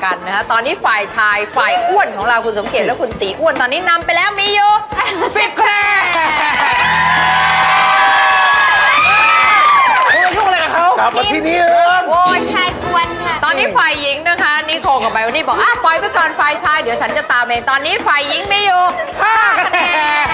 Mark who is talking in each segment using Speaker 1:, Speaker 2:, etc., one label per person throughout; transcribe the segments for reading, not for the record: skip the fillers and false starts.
Speaker 1: กันนะฮะตอนนี้ฝ่ายชายฝ่ายอ้วนของเราคุณสมเกียรติและคุณตีอ้วนตอนนี้นำไปแล้วมีอยู่10 คะแนน
Speaker 2: คุณยุ่งอะไรกับเขากลับมาที่นี่เอิญ
Speaker 3: โอ้ยชายกวนค่ะ
Speaker 1: ตอนนี้ฝ่ายหญิงนะคะนิโคกับไบวันนี่บอกปล่อยไปก่อนฝ่ายชายเดี๋ยวฉันจะตามเองตอนนี้ฝ่ายหญิงมีอยู่5 คะแนน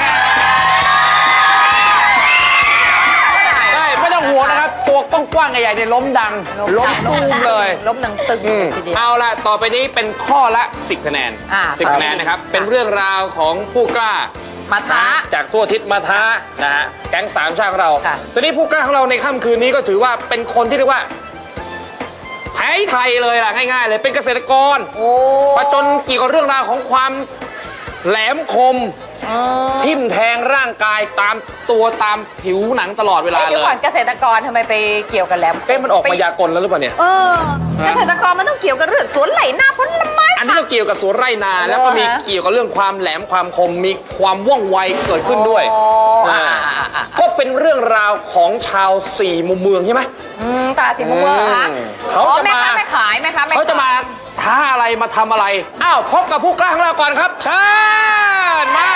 Speaker 4: ได้ไม่ต้องห่วงนะครับตัวกว้างๆใหญ่ๆเนี่ยล้มดังล้มตูมเลย
Speaker 1: ล้มดังตึงทีเดียว
Speaker 4: เอาละต่อไปนี้เป็นข้อละ10 คะแนน 10 คะแนนนะครับเป็นเรื่องราวของผู้กล้า
Speaker 1: มาท้า
Speaker 4: จากทั่วทิศมาท้านะฮะแก๊งสามชาติของเรา
Speaker 1: ค่ะ
Speaker 4: ตอนนี้ผู้กล้าของเราในค่ำคืนนี้ก็ถือว่าเป็นคนที่เรียกว่าไทยเลยล่ะง่ายๆเลยเป็นเกษตรกรประจนเกี่ยวกับเรื่องราวของความแหลมคมทิ่มแทงร่างกายตามตัวตามผิวหนังตลอดเวลาเลย
Speaker 1: เดี๋ยวก่อนเกษตรกรทำไมไปเกี่ยวกับแหลม
Speaker 4: มันออกมายากลแล้วหรือเปล่าเนี่ย
Speaker 1: เกษตรกรมันต้องเกี่ยวกับเรื่องสวนไหลนาผลไม้
Speaker 4: อันนี้ก็เกี่ยวกับสวนไร่นาแล้วก็มีเกี่ยวกับเรื่องความแหลมความคมมีความว่องไวเกิดขึ้นด้วยก็เป็นเรื่องราวของชาวสี่มุมเมืองใช่ไหม
Speaker 1: ตลาดสี่มุมเมืองคะ
Speaker 4: เขาจะมา
Speaker 1: ไม่ขายไหมคะ
Speaker 4: เขาจะมาท้าอะไรมาทำอะไรอ้าวพบกับผู้กล้าของเราก่อนครับเชิญมา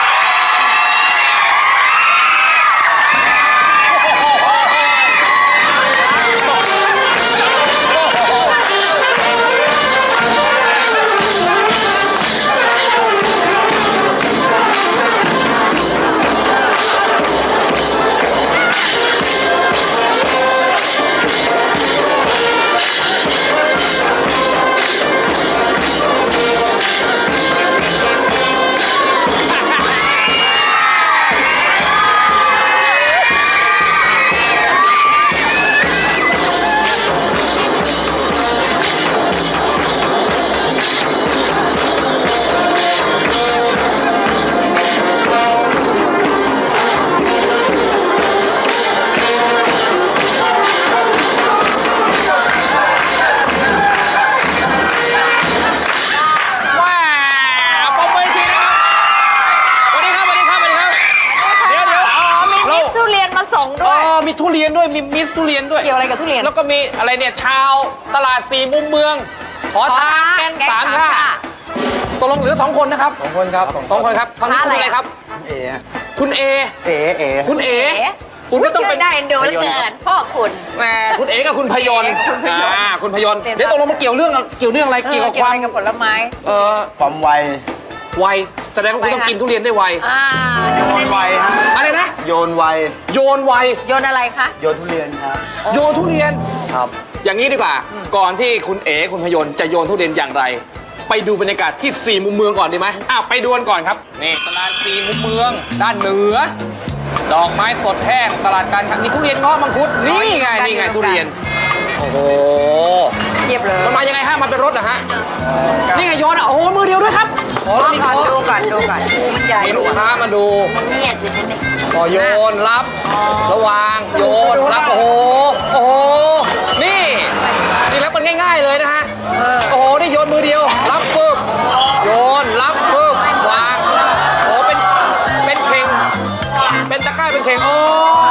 Speaker 4: มีทุเรียนด้วยมีมิสทุเรียนด้วย
Speaker 1: เกี่ยวอะไรกับทุเรียน
Speaker 4: แล้วก็มีอะไรเนี่ยชาวตลาดสี่มุมเมืองขอท้าแก๊งสามชาติตกลงเหลือ2 คนนะครับ
Speaker 2: 2 คนครับ
Speaker 4: 2 คนครับทางนี้คุณอะไรครับคุณเอคุณเอคุณก็ต้องเป็น
Speaker 1: ได้ดูแล้วเกินพ่อคุณ
Speaker 4: แหมคุณเอกับคุณพยนต์คุณพยนต์เดี๋ยวตกลงมันเกี่ยวเรื่องอะไรเกี่ยวกับความ
Speaker 1: กับผลไม้
Speaker 2: ความไว
Speaker 4: แสดงว่าคุณต้องกินทุเรียนได้ไว
Speaker 2: โยนไว
Speaker 4: อะไรนะ
Speaker 2: โยนไว
Speaker 1: โยนอะไรคะ
Speaker 2: โยนทุเรียนครับ
Speaker 4: โยนทุเรียน
Speaker 2: ครับ
Speaker 4: อย่างนี้ดีกว่าก่อนที่คุณเอคุณพยนต์จะโยนทุเรียนอย่างไรไปดูบรรยากาศที่สี่มุมเมืองก่อนดีไหมไปดูกันก่อนครับนี่ตลาดสี่มุมเมืองด้านเหนือดอกไม้สดแห้งตลาดการค้านี่ทุเรียนเงาะมังคุดนี่ไงทุเรียนโอ้โห
Speaker 1: เยียบเลย
Speaker 4: มันมายังไงฮะมันเป็นรถเหรอฮะนี่ไงโยนโอ้โหมือเดียวด้วยครับ
Speaker 1: ดูก่อน
Speaker 4: มีลูกค้ามาดูก็โยนรับระวางโยนรับโอ้โหนี่รับมันง่ายๆเลยนะฮะโอ้โหนี่โยนมือเดียวรับปึ๊บโยนรับปึ๊บวางโอ้เป็นเข่งเป็นตะกร้าเป็นเข่งโอ้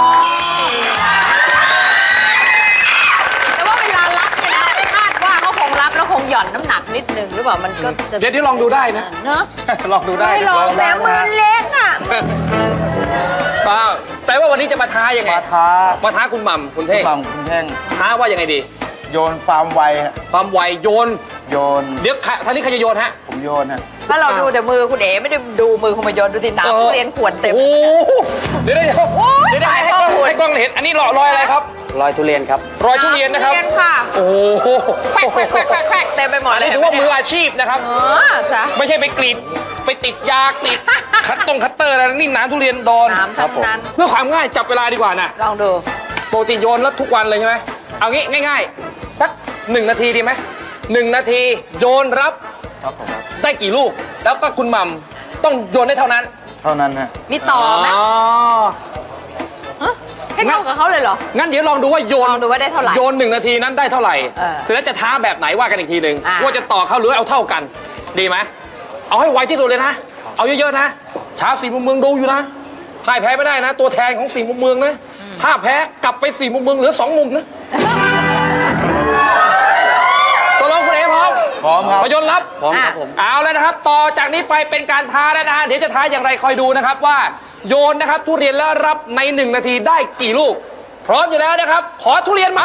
Speaker 1: แต่ว่าเวลารับเนี่ยนะคาดว่าเขาคงรับแล้วคงหย่อนน้ำหนักนิดนึงหรือเปล่ามันก็
Speaker 4: เดี๋ยวลองดูได้นะ
Speaker 1: เนอะ
Speaker 4: ลองดูได้
Speaker 1: ลองแม่มือเล็กอ่ะ
Speaker 4: แต่ว่าวันนี้จะมาท้ายังไงมาท้าคุณหม่ำคุณเท่งท้าว่ายังไงดี
Speaker 2: โยนความไว
Speaker 4: โยนเดี๋ยวท่านี้ใครจะโยนฮะ
Speaker 2: ผมโยนฮะ
Speaker 1: ถ้าเราดูแต่มือคุณเอ๋ไม่ได้ดูมือคุณมาโยนดูสิน้ำทุเรียนขวดเต็ม
Speaker 4: โอ้เดี๋ยวให้กล้องเห็นอันนี้รอยอะไรครับ
Speaker 2: รอยทุเรียนครับ
Speaker 4: รอยทุเรียนนะครับโอ้โห
Speaker 1: แปกเต็มไปหมดเลย
Speaker 4: ถือว่ามืออาชีพนะครับไม่ใช่ไปกรีดไปติดยาติดคัตเตอร์อะไรนี่น้ำทุเรียนโดน
Speaker 1: ครับผม
Speaker 4: เพื่อความง่ายจับเวลาดีกว่านะ
Speaker 1: ลองดู
Speaker 4: ปกติโยนแล้วทุกวันเลยใช่ไหมเอางี้ง่ายๆสัก1 นาทีดีไหม1 นาทีโยนรับได้กี่ลูกแล้วก็คุณหม่ำต้องโยนได้เท่านั้น
Speaker 2: ฮะ
Speaker 1: มีต่อไหมให้เท่ากับเขาเลยเหรอ
Speaker 4: งั้นเดี๋ยวลองดูว่าโยน
Speaker 1: ดูว่าได้เท่าไหร่
Speaker 4: โยน1 นาทีนั้นได้เท่าไหร่เสร็จแล้วจะท้าแบบไหนว่ากันอีกทีหนึ่งว่าจะต่อเขาหรือเอาเท่ากันดีไหมเอาให้ไวที่สุดเลยนะเอาเยอะๆนะชาวสี่มุมเมืองดูอยู่นะพ่ายแพ้ไม่ได้นะตัวแทนของสี่มุมเมืองนะถ้าแพ้กลับไปสี่มุมเมืองเหลือ2 มุมนะตกลงคุณเอพร้อม
Speaker 2: พร้อมครับ
Speaker 4: โยนรับ
Speaker 2: พร้อมครับผม
Speaker 4: เอาแล้วนะครับ ต่อจากนี้ไปเป็นการท้าแล้วนะฮะ เดี๋ยวจะท้าอย่างไรคอยดูนะครับว่าโยนนะครับทุเรียนแล้วรับใน1 นาทีได้กี่ลูก พร้อมอยู่แล้วนะครับ ขอทุเรียนมา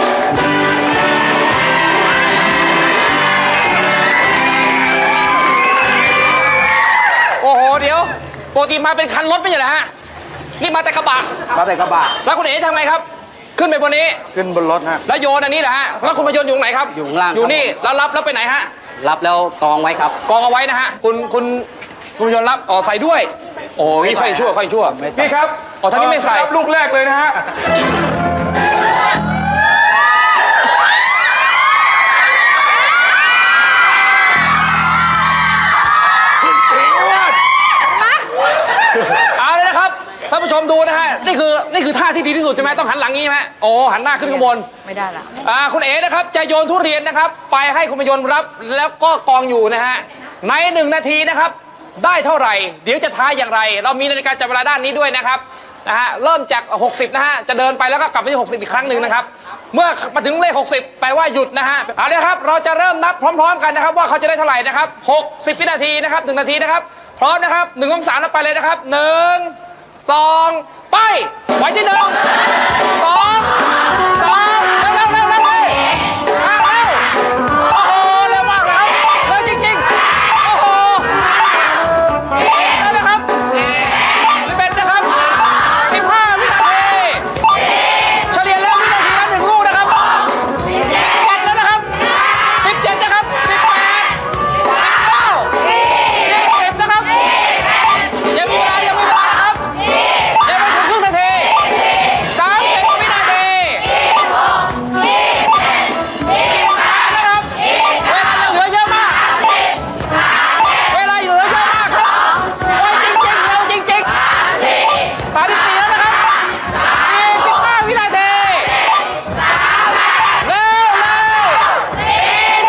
Speaker 4: โอ้โห เดี๋ยวปกติมาเป็นคันรถไม่ใช่เหรอฮะ นี่มาแต่กระบะ
Speaker 2: มาแต่กระบะ
Speaker 4: แล้วคุณเอ๋ทำไงครับ ขึ้นไปบนนี้
Speaker 2: ขึ้นบนรถฮะ
Speaker 4: แล้วโยนอันนี้เหรอฮะ แล้วคุณมาโยนอยู่ตรงไหนครับ
Speaker 2: อยู่ข้างล่าง
Speaker 4: อยู่นี่
Speaker 2: ครับ
Speaker 4: แล้วรับแล้วไปไหนฮะ
Speaker 2: รับแล้วกองไว้ครับ
Speaker 4: กองเอาไว้นะฮะ คุณโยนรับ อ๋อ ใส่ด้วย โอ้ยค่อยชั่วค่อยชั่ว
Speaker 2: ไม่ใส่
Speaker 3: พี่ครับ
Speaker 4: อ๋อท่านนี้ไม่ใส่
Speaker 3: รับลูกแรกเลยนะฮะ
Speaker 4: เอาเลยนะครับท่านผู้ชมดูนะฮะ นี่คือท่าที่ดีที่สุดใช่ไหมต้องหันหลังงี้ใช่ไหมโอ้หันหน้าขึ้นข้างบน
Speaker 1: ไม่ได้ละ
Speaker 4: คุณเอ๋นะครับจะโยนทุเรียนนะครับ ไปให้คุณมายนรับแล้วก็กองอยู่นะฮะใน1 นาทีนะครับได้เท่าไหร่ เดี๋ยวจะท้ายอย่างไร เรามีนาฬิกาจับเวลาด้านนี้ด้วยนะครับเริ่มจาก 60 นะฮะจะเดินไปแล้วก็กลับไปที่ 60 อีกครั้งหนึ่งนะครับเมื่อมาถึงเลข 60 แปลว่าหยุดนะฮะเอาเลยครับเราจะเริ่มนับพร้อม ๆ กันนะครับว่าเขาจะได้เท่าไหร่นะครับ60 วินาทีนะครับ1 นาทีนะครับพร้อมนะครับ1 2 3แล้วไปเลยนะครับ1 2 ไปไว้ที่1 2 2เร็วเร็วโอ้โหเร็วมากเลยเร็วจริงๆโอ้โหแล้วนะครับเป็นนะครับ15 วินาทีเฉลี่ยแล้ววินาทีละ1 ลูกนะครับ7แล้วนะครับ17นะครับ18 19 20นะครับยังมีเวลานะครับยังไม่ถึงครึ่งนาที30 วินาทีนะครับเวลายังเหลือเยอะมากเวลาเหลือเยอะมากครับไวจริงๆเร็วจริงๆ34แล้วนะครับ45 วินาทีเร็วเร็ว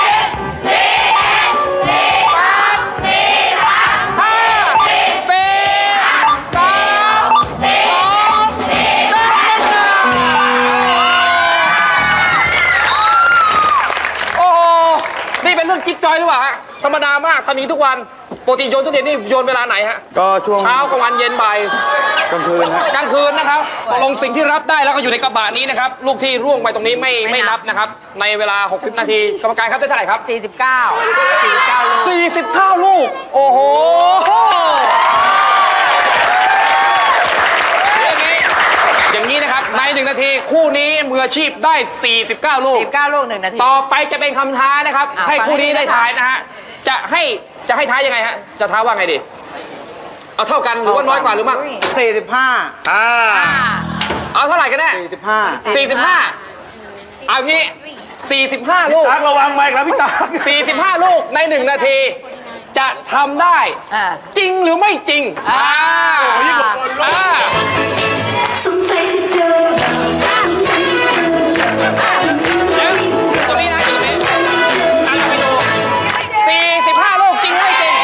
Speaker 4: โอ้โห นี่เป็นเรื่องจิ๊บจอยหรือเปล่าฮะ ธรรมดามากทำอย่างนี้ทุกวัน ปกติโยนทุเรียนนี่โยนเวลาไหนฮะ
Speaker 2: ก็ช่วง
Speaker 4: เช้ากลางวันเย็นบ่าย
Speaker 2: กลางคืนฮะ
Speaker 4: กลางคืนนะครับตกลงสิ่งที่รับได้แล้วก็อยู่ในกระบะนี้นะครับ ลูกที่ร่วงไปตรงนี้ไม่นับนะครับ ในเวลา 60 นาที กรรมการครับได้เท่าไหร่ครับ
Speaker 1: 49
Speaker 4: ลูก โอ้โห อย่างนี้นะครับ ใน 1 นาทีคู่นี้มืออาชีพได้ 49 ลูก
Speaker 1: 49 ลูก 1 นาที
Speaker 4: ต่อไปจะเป็นคำท้านะครับ
Speaker 1: อ่ะ
Speaker 4: ให้คู่นี้
Speaker 1: ฟังให้ดี
Speaker 4: ได้
Speaker 1: นะคะ
Speaker 4: ทายนะฮะ จะให้ท้ายยังไงฮะ จะท้าว่าไงดี เอาเท่ากันหรือว่าน้อยกว่าหรือมาก
Speaker 2: 45
Speaker 4: เอาเท่าไหร่กันแน่
Speaker 2: 45
Speaker 4: 45 เอางี้ 45 ลูก
Speaker 3: ตักระวังไมค์แล้วพี่ตัก
Speaker 4: 45 ลูกใน 1 นาที จะทำได้ จริงหรือไม่จริง
Speaker 3: ยิ่งกว่าคนโลก
Speaker 5: สงสัยจะเจอสงสัยจะเจอ
Speaker 4: เดี๋ยวตรงนี้นะอยู่ตรงนี้ตั้งไปดู 45 ลูกจริงหรือไม่จริง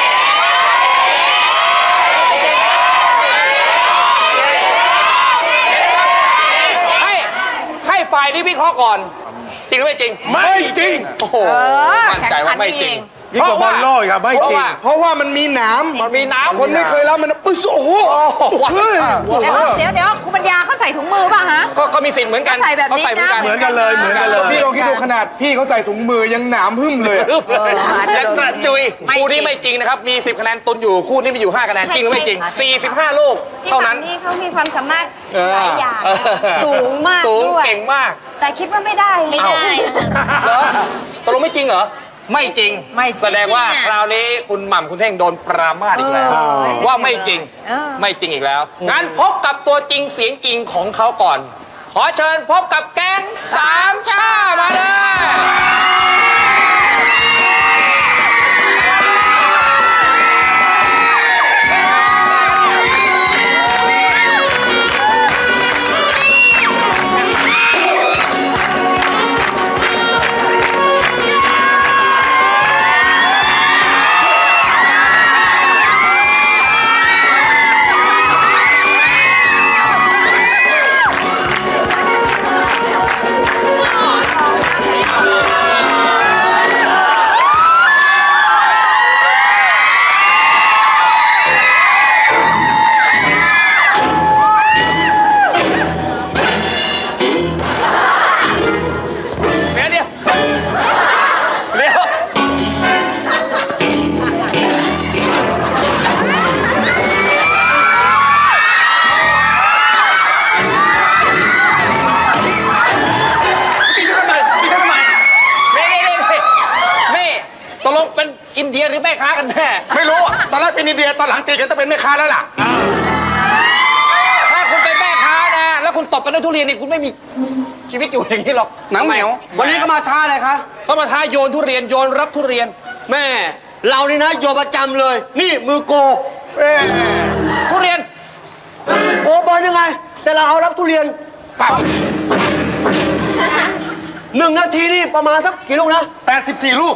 Speaker 4: ให้ฝ่ายนี้วิเคราะห์ก่อน จริงหรือไม่จริง
Speaker 3: ไม่จริง
Speaker 4: โอ้โห มั่นใจว่าไม่จริง
Speaker 3: ยิ่งกว่าบอลโลกอีกครับไม่จริง เพราะว่ามันมีหนาม
Speaker 4: มันมีน้ำ
Speaker 3: คนไม่เคยรับมันปึ๊โอ้โหเฮ้ย
Speaker 1: เดี๋ยวคุณปัญญาเขาใส่ถุงมือป่ะฮะ
Speaker 4: ก็มีสิทธิ์เหมือนกัน
Speaker 1: เขาใส่แบบนี้
Speaker 4: เขาใส่เหมือนกัน
Speaker 1: นะ
Speaker 3: เหมือนกันเลยเหมือนกันเลย พี่ลองคิดดูขนาดพี่เขาใส่ถุงมือยังหนามหึ่มเลย
Speaker 4: และกระจุย
Speaker 1: ไม่จริง
Speaker 4: คู่นี้ไม่จริงนะครับ มี 10 คะแนนตุนอยู่ คู่นี้มีอยู่ 5 คะแนน จริงหรือไม่จริง 45 ลูก
Speaker 6: ที่
Speaker 4: เท่านั้น
Speaker 6: ฝั่งนี้เขามีความสามารถหลายอย่าง
Speaker 4: เออ
Speaker 6: สูงมาก
Speaker 4: สูง
Speaker 6: ด้วย
Speaker 4: เก่งมาก
Speaker 6: แต่คิดว่าไม่ได้
Speaker 4: เอ้า เหรอตกลงไม่จริงเหรอ ไม่จริง
Speaker 1: ไม่จริง
Speaker 4: แสดงว่าคราวนี้คุณหม่ำคุณเท่งโดนปรามาสอีกแล้ว ว่าไม่จริง ไม่จริงอีกแล้ว งั้นพบกับตัวจริงเสียงจริงของเขาก่อน ขอเชิญพบกับแก๊งสามชามาเลยตกลงเป็นอินเดียหรือแม่ค้ากันแน่
Speaker 3: ไม่รู้ตอนแรกเป็นอินเดียตอนหลังตีกันต้องเป็นแม่ค้าแล้วล่ะ
Speaker 4: ถ้าคุณเป็นแม่ค้านะแล้วคุณตบกันด้วยทุเรียนนี่คุณไม่มีชีวิตอยู่อย่างนี้หรอก
Speaker 2: หนังเหนียว
Speaker 7: วันนี้ก็มาท้าอะไรคะ
Speaker 4: เขามาท้าโยนทุเรียนโยนรับทุเรียน
Speaker 7: แม่ เรานี่นะโยนประจำเลย นี่มือโก
Speaker 4: ทุเรียน
Speaker 7: โกบอลยังไง แต่เราเอารับทุเรียน1 นาทีนี่ประมาณสักกี่ลูกนะ
Speaker 3: 84 ลูก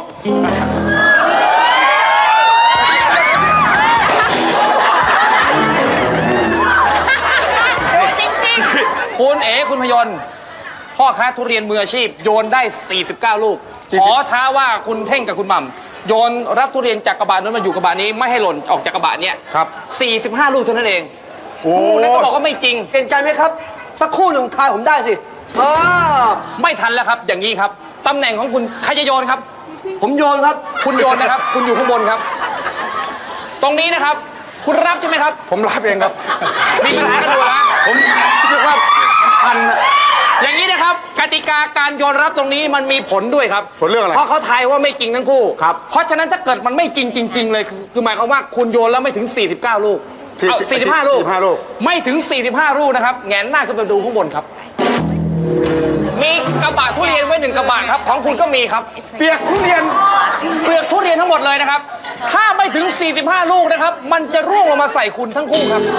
Speaker 1: ดูจริง
Speaker 4: คุณเอ๋คุณพยนต์พ่อค้าทุเรียนมืออาชีพโยนได้ 49 ลูก ขอท้าว่าคุณเท่งกับคุณหม่ำโยนรับทุเรียนจากกระบะนั้นมาอยู่กระบะนี้ไม่ให้หล่นออกจากกระบะเนี้ย
Speaker 3: ครับ
Speaker 4: 45 ลูกเท่านั้นเอง
Speaker 3: โอ้
Speaker 4: คู่นั้นก็บอกว่าไม่จริง
Speaker 7: เห็นใจไหมครับ สักครู่หนึ่งทายผมได้สิอ่า
Speaker 4: ไม่ทันแล้วครับอย่างนี้ครับตำแหน่งของคุณใครจะโยนครับ
Speaker 7: ผมโยนครับ
Speaker 4: คุณโยนนะครับ คุณอยู่ข้างบนครับ ตรงนี้นะครับ คุณรับใช่ไหมครับ
Speaker 3: ผมรับเองครับ
Speaker 4: มีปัญหากันอยู่นะ
Speaker 3: ผมรู้สึกว่าพันอะ
Speaker 4: อย่างนี้นะครับกติกาการโยนรับตรงนี้มันมีผลด้วยครับ
Speaker 3: ผลเรื่องอะไร
Speaker 4: เพราะเขาทายว่าไม่จริงทั้งคู่
Speaker 3: ครับ
Speaker 4: เพราะฉะนั้นถ้าเกิดมันไม่จริงจริง ๆ เลยคือหมายความว่าคุณโยนแล้วไม่ถึง 49 ลูกเอา45 ลูก
Speaker 3: 45 ลูก
Speaker 4: ไม่ถึง 45 ลูกนะครับแงนหน้าขึ้นไปดูข้างบนครับ มีกระบะทุเรียนไว้1 กระบะครับของคุณก็มีครับ
Speaker 3: เปียกทุเรียน
Speaker 4: เปลือกทุเรียนทั้งหมดเลยนะครับ ถ้าไม่ถึง 45 ลูกนะครับ มันจะร่วงลงมาใส่คุณทั้งคู่ครับ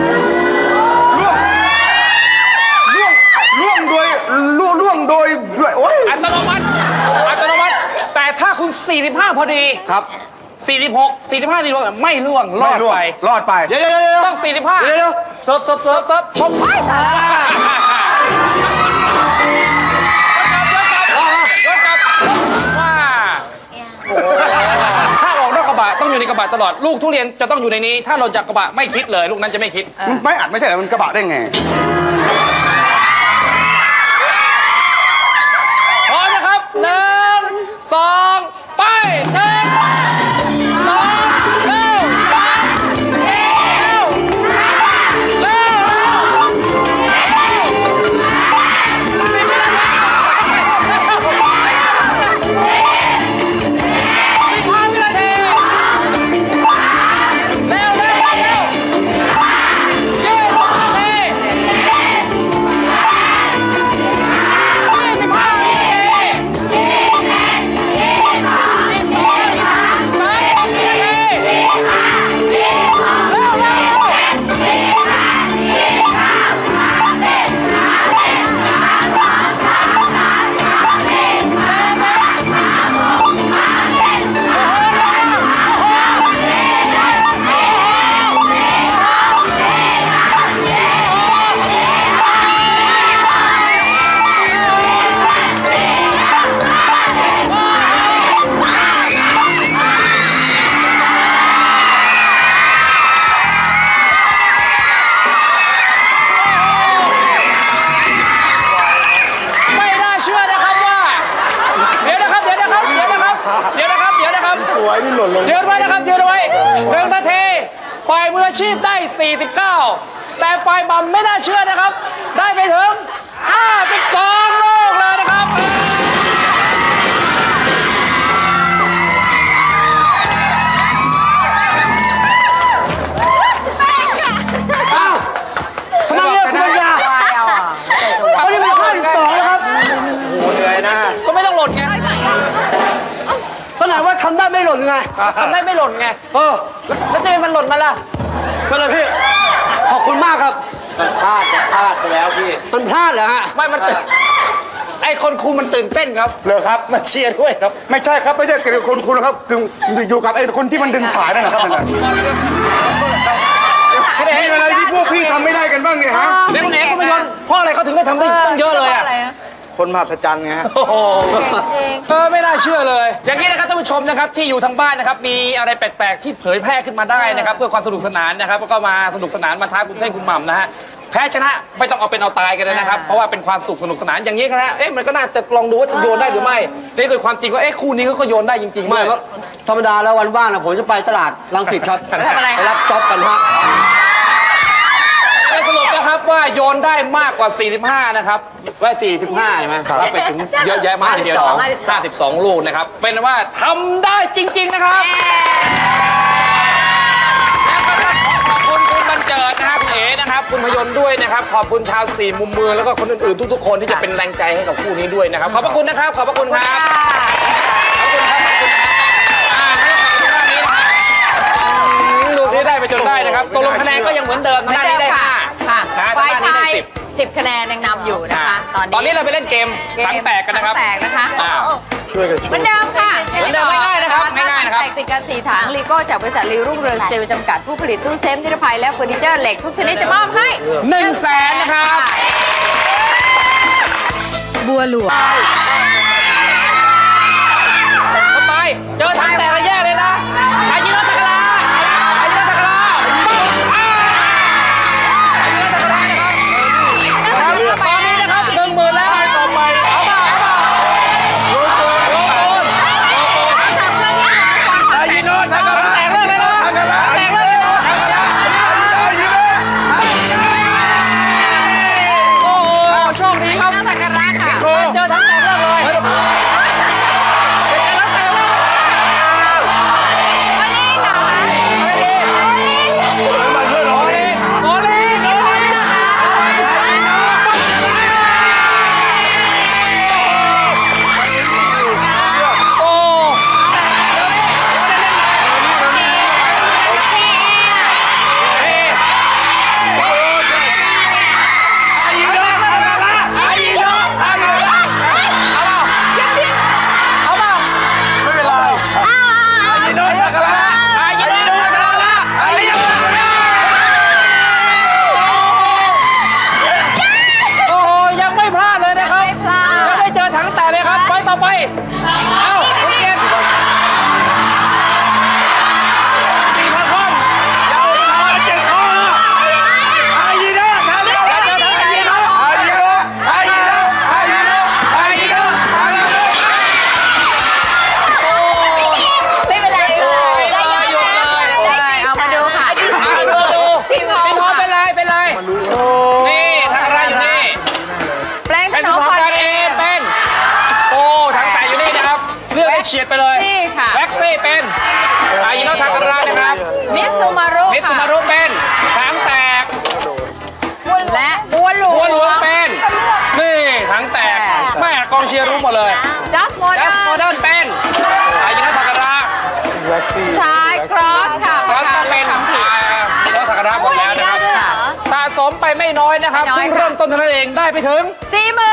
Speaker 3: ล่วงโดยโอ้ย
Speaker 4: อัตโนมัติแต่ถ้าคุณ 45 พอดี
Speaker 3: ครับ
Speaker 4: 45 ไม่ร่วงรอดไป
Speaker 3: รอดไป
Speaker 7: เดี๋ยว
Speaker 4: ต้อง 45
Speaker 7: เดี๋ยวเสิร์ฟ
Speaker 4: เซิร์ฟผมไปเดี๋ยวกลับว่าถ้าออกนอกกระบะต้องอยู่ในกระบะตลอด ลูกทุเรียนจะต้องอยู่ในนี้ ถ้าหล่นจากกระบะไม่คิดเลย ลูกนั้นจะไม่คิด
Speaker 3: ไม่อัดไม่ใช่เหรอมันกระบะได้ไง
Speaker 4: พร้อมนะครับ1 2 ไป1 2 เร็วไม่น่าเชื่อนะครับว่า เดี๋ยวนะครับ
Speaker 3: สวยนี่หล่นลง
Speaker 4: ยืนไว้นะครับยืนเอาไว้1 นาทีฝ่ายมืออาชีพได้ 49 แต่ฝ่ายบอมไม่น่าเชื่อนะครับ ได้ไปถึง 52 ลูกเลยนะครับ
Speaker 7: ทำไมเนี่ยคุณปัญญา
Speaker 1: ๆ
Speaker 7: วันนี้เป็นข้อที่2แล้วครับ
Speaker 3: โอ้เหนื่อยนะ
Speaker 4: ก็ไม่ต้องหล่นไง
Speaker 7: ขนาดว่าทำได้ไม่หล่นไง
Speaker 4: ทำได้ไม่หล่นไง แล้วจะเป็นมันหล่นมาล่ะ
Speaker 7: เป็นไรพี่ ขอบคุณมากครับมันพลาดไปแล้วพี่ มันพลาดเหรอฮะ
Speaker 4: ไม่มันไอคนคุมมันตื่นเต้นครับ
Speaker 3: เลยครับ
Speaker 4: มาเชียร์ด้วยครับ
Speaker 3: ไม่ใช่ครับไม่ใช่เกี่ยวกับคุณนะครับคืออยู่กับไอ้คนที่มันดึงสายนั่นนะครับนั่นน่ะมีอะไรที่พวกพี่ทำไม่ได้กันบ้างเนี่ยฮะ
Speaker 4: เด็กคนไหนก็ไม่ยนเพราะอะไรเขาถึงได้ทำได้ตั้งเยอะเลยอะ
Speaker 2: คนมหัศจรรย์ไงฮะ
Speaker 4: โอ้โหไม่น่าเชื่อเลย อย่างนี้นะครับท่านผู้ชมนะครับที่อยู่ทางบ้านนะครับมีอะไรแปลกๆที่เผยแพร่ขึ้นมาได้นะครับเพื่อความสนุกสนานนะครับแล้วก็มาสนุกสนานมาท้าคุณเท่งคุณหม่ำนะฮะแพ้ชนะไม่ต้องเอาเป็นเอาตายกันเลยนะครับเพราะว่าเป็นความสุขสนุกสนานอย่างนี้ครับนะมันก็น่าจะลองดูว่าจะโยนได้หรือไม่นี่คือความจริงว่าคู่นี้ก็โยนได้จริงๆ
Speaker 7: ไม่ครับธรรมดาแล้ววันว่างนะผมจะไปตลาดรังสิตครับ
Speaker 1: ทำอะไร
Speaker 7: ไปรับจ็อบกันฮะ
Speaker 4: ไปสรุปนะครับว่าโยนได้มากกว่า 45 นะครับว่า 45 ใช่ไหมรับไปถึงเยอะแยะมากทีเดียว52 ลูกนะครับ เป็นว่าทำได้จริง ๆ นะครับ แล้วก็ต้องขอบคุณคุณบันเจิดนะครับคุณเอ๋นะครับ คุณพยนต์ด้วยนะครับ ขอบคุณชาว4มุมเมืองแล้วก็คนอื่นๆทุกๆคนที่จะเป็นแรงใจให้กับคู่นี้ด้วยนะครับ ขอบพระคุณนะครับ ขอบพระคุณครับ ขอบคุณครับ ขอบคุณครับให้ขอบคุณด้านนี้นะครับดูที่ได้ไปจนได้นะครับตกลงคะแนนก็ยังเหมือนเดิมด้านนี้ได้
Speaker 1: ค่ะ
Speaker 4: 5
Speaker 1: ค่ะ
Speaker 4: นะ
Speaker 1: ฝ่าย
Speaker 4: ด้านนี้
Speaker 1: ชา
Speaker 4: ได้
Speaker 1: ย 10 คะแนนยังนำอยู่นะคะ
Speaker 4: ตอนนี้เราไปเล่นเกมถังแตกกันนะครับ
Speaker 1: ถังแตกนะคะ
Speaker 4: อ่า
Speaker 2: ช่วยกันช่
Speaker 1: เห
Speaker 2: ว
Speaker 1: มื
Speaker 2: ย
Speaker 1: อนเดิมค่ะ
Speaker 4: เหมือนเดิมง่ายๆนะครับง่ายๆนะครับ
Speaker 1: แตกติดกัน4ถังลีโก้จากบริษัทลีรุ่งเรืองสตีลจำกัดผู้ผลิตตู้เซฟนิรภัยและเฟอร์นิเจอร์เหล็กทุกชนิดจะมอบให้
Speaker 4: 100,000นะครับ
Speaker 1: บัวหลวง
Speaker 4: เข้าไปเจอถังแตกแล้วแย่เลยนะอายิโนตะกะลาอายิโนตะกะลาอายิโนตะกะลานะครับตอนนี้นะครับ10,000แล้วเอาเปล่าโลโก้อายิโนตะกะลาแตกเลยนะแตกเลยนะโอ้โหโชคดีครับ
Speaker 1: ตะกร้าค่ะ
Speaker 4: เจอทั้งแตกเลิกเลยเจอทั้งแตกเลิกอะไรดีโอลินโอ้เอาเปล่า
Speaker 2: ไม่เป็นไร
Speaker 4: อายิโนตะกะลาอายิโนตะกะลาอายิโนตะกะลาโอ้โหยังไม่พลาดเลยนะครับ
Speaker 1: ไม่พลาด
Speaker 4: ยังได้เจอถังแตกเลยครับไปต่อไปเอ้าคุณเกียรติ4,000 คนยาวเจ็ดข้ออายิโนตะกะลาเจอถังอายิโน
Speaker 2: อายุนะ
Speaker 4: อายิโน
Speaker 2: อายุนะอายุนะอายุนะ
Speaker 4: โอ้
Speaker 6: ไม่เป็นไร
Speaker 4: ย
Speaker 6: ค่ะ
Speaker 4: เลยหยุดเลย
Speaker 1: ได้เอามาดูค่ะ
Speaker 4: ดู
Speaker 1: ทีม
Speaker 4: เป็น
Speaker 1: ท
Speaker 4: ท
Speaker 1: อ
Speaker 4: อง งเป็นไรเป็นไรนี่ทางอะไรอยู่นี่
Speaker 1: แปลงถ
Speaker 4: เป็น
Speaker 1: น
Speaker 4: ท
Speaker 1: อ
Speaker 4: อง ง
Speaker 1: พร
Speaker 4: การ
Speaker 1: เอ
Speaker 4: เองเป็นโอ้ทางแต่อยู่นี่นะครับเลือกได้เฉียดไปเลย
Speaker 1: นี่ค่ะ
Speaker 4: แบ็กซี่เป็นอายิโนทาการานะครับ
Speaker 1: มิสซูมารุ
Speaker 4: มิสซู
Speaker 1: ค่ะ
Speaker 4: มารุเป็นทางแตก
Speaker 1: และบัวหลว
Speaker 4: บัวหลวง
Speaker 1: ง
Speaker 4: เป็นนี่ทางแตกแม่กองเชียร์รู้หมดเลย
Speaker 1: จัสโมเด
Speaker 4: จัสโมเดิ
Speaker 1: อ
Speaker 4: ร์นเป็นอายิโนทาการา
Speaker 2: แว็กซี่
Speaker 1: ชายครอสค่ะ
Speaker 4: คอสก็เป็น
Speaker 1: คำผิด
Speaker 4: อายิโนทาการาหมดแล้วนะครับ
Speaker 1: ค่ะ
Speaker 4: สะสมไปไม่น้อยนะครับ
Speaker 1: ไม่น้อย
Speaker 4: เพิ่ง
Speaker 1: ค่ะ
Speaker 4: เริ่มต้นเท่านั้นเองได้ไปถึง
Speaker 1: 40,000